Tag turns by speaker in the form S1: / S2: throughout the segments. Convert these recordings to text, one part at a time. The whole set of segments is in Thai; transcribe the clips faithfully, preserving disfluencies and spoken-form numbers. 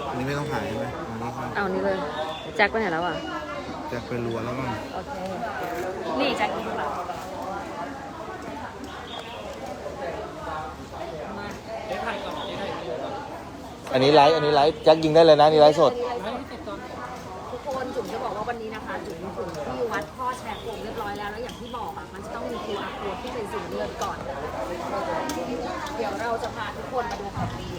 S1: อันนี้ไม่ต้องถ่ายใช่ไหมอันนี้ครับ
S2: เอานี้เลยแจ็คไปไหนแล้วอ่ะ
S1: จะไปรัวแล้วมั้ง
S2: โอเคนี่แจ็คกินของเรา
S1: อันนี้ไลฟ์อันนี้ไลฟ์แจ็คยิงได้เลยนะนี่ไลฟ์สด
S2: ทุกคนจุ๋มจะบอกว่าวันนี้นะคะจุ๋มถึงที่วัดข้อแชร์โครงเรียบร้อยแล้วแล้วอย่างที่บอกอ่ะมันจะต้องมี คิว อาร์ code ที่เป็นสีเลือดก่อน เดี๋ยวเราจะพาทุกคนมาดูของดี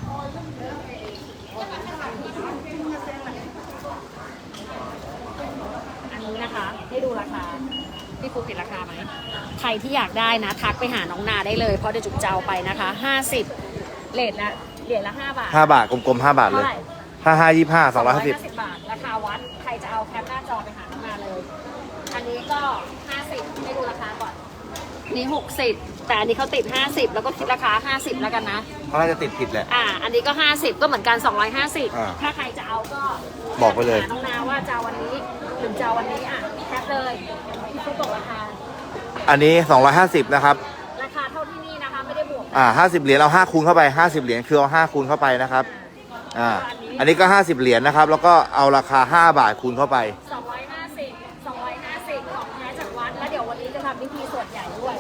S2: อันนี้นะคะให้ดูราคาพี่ฟุกติดราคาไหมใครที่อยากได้นะทักไปหาน้องนาได้เลยเพราะเดี๋ยวจุ๋มจะเอาไปนะคะห้าสิบเลทละเหรียญละห้าบาท
S1: ห้าบาทกลมๆห้าบาทเลย
S2: เท่าไหร่
S1: ห้าห้ายี่ห้าสองร้อยห้าสิบ
S2: บาท ราคาวัด ใครจะเอาแคปหน้าจอไปหาน้องนาเลย อันนี้ก็ห้าสิบให้ดูราคาก่อน นี่หกสิบแต่อันนี้เขาติดห้าสิบแล้วก็คิดราคาห้าสิบแล้วกันนะ
S1: เขาน่าจะติดผิดแหละ
S2: อ่า อันนี้ก็ห้าสิบก็เหมือนกันสองร้อยห้าสิบ
S1: อ่า
S2: ถ้าใครจะเอาก็
S1: บอกไปเลย
S2: หาน้องนาว่าจะเอาวันนี้หรือจะเอาวันนี้อ่ะแคปเลยพี่ฟุ๊กบอกราคา
S1: อันนี้สองร้อยห้าสิบนะครับ
S2: ราคาเท่าที่นี่นะคะไม่ได้บวก
S1: อ่าห้าสิบเหรียญเอาห้าคูณเข้าไปห้าสิบเหรียญคือเอาห้าคูณเข้าไปนะครับอ่าอันนี้ก็ห้าสิบเหรียญนะครับแล้วก็เอาราคาห้าบาทคูณเข้าไป
S2: สองร้อยห้าสิบ สองร้อยห้าสิบของแท้จากวัดแล้วเดี๋ยววันนี้จะทำพิธีสวดใหญ่ด้วย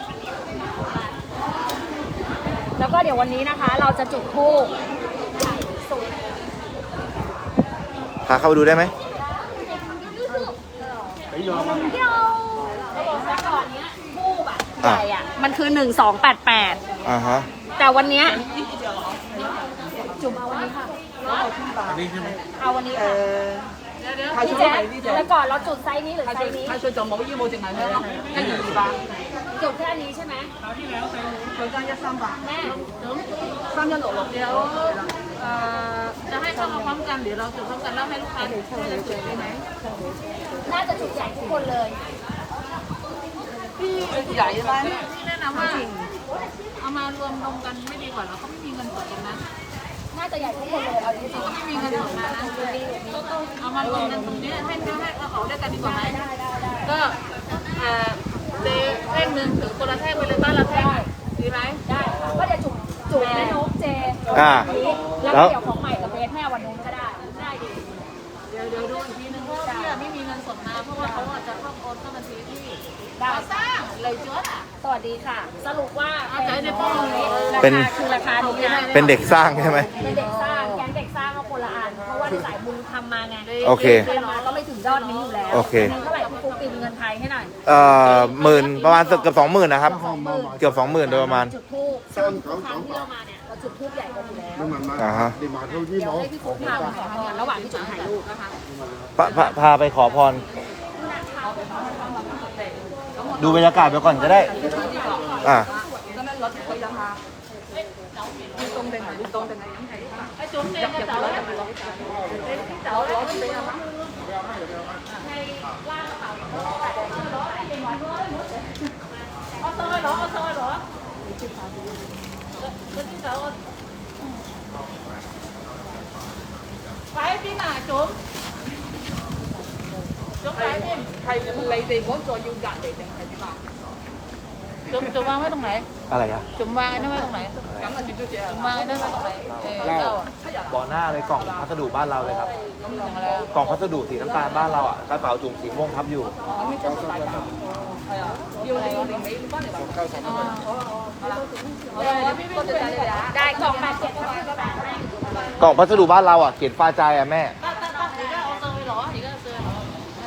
S2: แล้วก็เดี๋ยววันนี้นะคะ เราจะจุดธูปใหญ่สุด
S1: พาเข้าไปดูได้ไหม
S2: เดี๋ยวเขาบอกแต่ก่อนเนี้ยทูบอะใหญ่อะมันคือหนึ่งสองแปดแปด
S1: อ่าฮะ
S2: แต่วันเนี้ยจุ่มเอาวันนี้ค่ะ
S1: อันนี้ใช่ไหม
S2: เอาวันนี้ค่ะพี่แจ๊คแล้วก่อนเราจุดไซส์นี้หรือไซส์นี้
S3: 太歲就冇腰冇淨係香咯，一二二百，
S2: จุดแค่นี้ใช่ไหม
S3: 佢間一三百，
S2: แม่
S3: 三一六六有誒，จะให้เข้ามาพร้อมกันหรือเราจุดพร้อมกันแล้วให้ลูกค้าช่วยกันจุดได้ไหม
S2: น่าจะจุดใหญ่ทุกคนเลย
S3: ใหญ่ไหมพี่แนะนำว่าเอามารวมลงกันไม่ดีกว่าเราก็ไม่มีเงินสดกันนะ
S2: น่าจะใหญ่ทุกคนเลยเอาจริง
S3: เราก็ไม่มีเงินสดมานะเอามารวมกันตรงนี้ให้ให้เอาเขาด้วยกันดีกว่าไหมก็เอ่อเแท่งหนึ่งถือคนละแท่งไปเลยบ้านละแท่งดีไหม
S2: ๆได้ค่ะก็เดี๋ยวจุดจุดแม่นกเจ
S1: อ่า
S2: นี้แล้วก็เดี๋ยวของใหม่กับเบสให้วันนู้นก็ได้ได้ดี
S3: เดี๋ยวเดี๋ยวดูอีกทีนึงเพราะว่าพี่ไม่มีเงินสดมาเพราะว่าเขาอาจจะต้องโอนเข้าบัญชีที่
S2: ได้
S3: ก่อสร้างเลยจดอ่ะ
S2: สวัสดีค่ะ สรุปว่า
S3: เอาใจในป้องเลย
S2: รา
S1: เป็น
S2: คาคือราคานี้นะ
S1: เป็นเด็กสร้างใช่ไหม
S2: เป็นเด็กสร้างแก๊งเด็กสร้างเอาคนละอันเพราะว่าที่สายบุญทำมาไง
S1: โอเค
S2: น้องก็ไม่ถึงยอดนี้อยู่แล้ว
S1: โอเค
S2: เท่าไหร่พี่ฟุ๊กตีเป็นเงินไทยให้หน่อย
S1: เอ่อหมื่นประมาณเกือบสองหมื่นนะครับ เกือบสองหมื่นโดยประมาณ
S2: จุดทูบซึ่งทุกครั้งที่เรามาเนี่ยเราจุดทูบใหญ่กว่าอยู่แล้ว
S1: อ่าฮะ
S2: เดี๋ยวให้พี่ฟุ๊กพาไปขอพรระหว่างที่จุดถ่ายรูปนะคะ
S1: พาพาพาไปขอพร ดูบรรยากาศไปก่อนก็ได้ อ่า
S3: 咁樣攞佢就下，要凍定係要凍定係飲係一種嘅就走啦，你先走啦，咁俾阿媽。我上去攞，我上去攞。嗰啲手我。擺喺邊啊，總？總擺喺邊？係你哋嗰座要隔離定係點啊？總總วางไว้ตรงไหน
S1: อะไรอ่ะ
S3: จุ่มวางไอ้นั่นไว้ตรงไหนจุ่มวางไอ้นั่นไว้ตรงไหนเออเจ้าอ่ะ
S1: บ่อหน้าเลยกล่องพัสดุบ้านเราเลยครับ
S3: กล่องอะไรอ่ะ
S1: กล่องพัสดุสีน้ำตาลบ้านเราอ่ะกระเป๋าจุ่มสีม่วงทับอยู่
S3: 係啊，要你我哋尾翻嚟話。哦，好啊好啊，好啦，好啦，邊邊多謝晒你哋啊！
S2: ได้กล่องแปดเจ็ดก็ได้ก็ได้
S1: กล่องพัสดุบ้านเราอ่ะเขียนฟ้าใจอ่ะแม่
S3: 得得得，而家我上去攞，而家上去攞。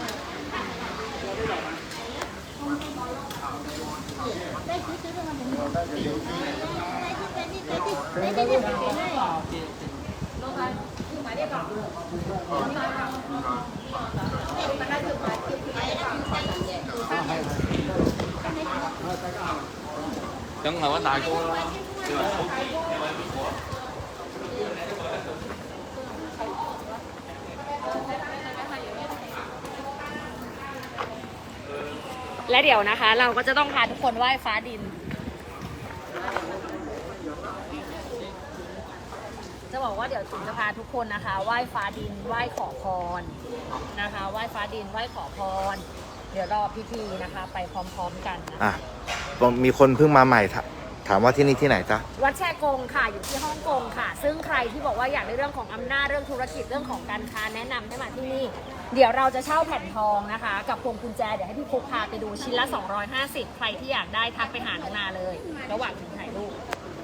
S4: 梗係揾大哥啦。
S2: และเดี๋ยวนะคะ เราก็จะต้องพาทุกคนไหว้ฟ้าดิน จะบอกว่าเดี๋ยวจุ๋มจะพาทุกคนนะคะไหว้ฟ้าดินไหว้ขอพรนะคะไหว้ฟ้าดินไหว้ขอพร เดี๋ยวรอพิธีนะคะ ไปพร้อมๆกันนะ
S1: อ่ะมีคนเพิ่งมาใหม่ทถามว่าที่นี่ที่ไหนจ๊ะ
S2: วัดแชกงค่ะอยู่ที่ฮ่องกงค่ะ ซึ่งใครที่บอกว่าอยากได้เรื่องของอำนาจเรื่องธุรกิจเรื่องของการค้าแนะนำให้มาที่นี่ เดี๋ยวเราจะเช่าแผ่นทองนะคะ กับพวงกุญแจเดี๋ยวให้พี่พุกพาไปดูชิ้นละสองร้อยห้าสิบใครที่อยากได้ทักไปหาน้องนาเลย ระหว่างถึงถ่ายรูป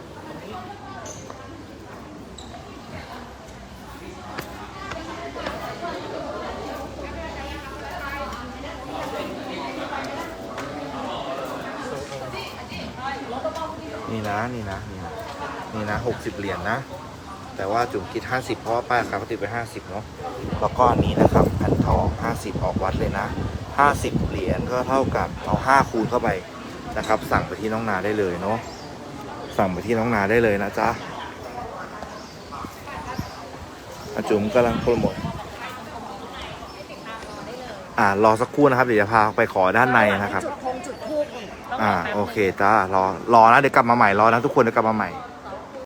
S1: นี่นะนี่นะนี่นะนี่นะหกสิบเหรียญนะ แต่ว่าจุ๋มคิดห้าสิบเพราะว่าป้ายราคาเขาติดไปห้าสิบเนาะแล้วก็อันนี้นะครับแผ่นทองห้าสิบออกวัดเลยนะห้าสิบเหรียญก็เท่ากับเอาห้าคูณเข้าไปนะครับ สั่งไปที่น้องนาได้เลยเนาะสั่งไปที่น้องนาได้เลยนะจ๊ะอาจุ๋มกำลังโปรโมทอ่ารอสักครู่นะครับเดี๋ยวจะพาไปขอด้านในนะครับ
S2: จุดธงจุดธูปนี่ต้อง
S1: อ่า
S2: แป๊บนึง
S1: โอเคจ้ารอรอนะเดี๋ยวกลับมาใหม่รอนะทุกคนเดี๋ยวกลับมาใหม่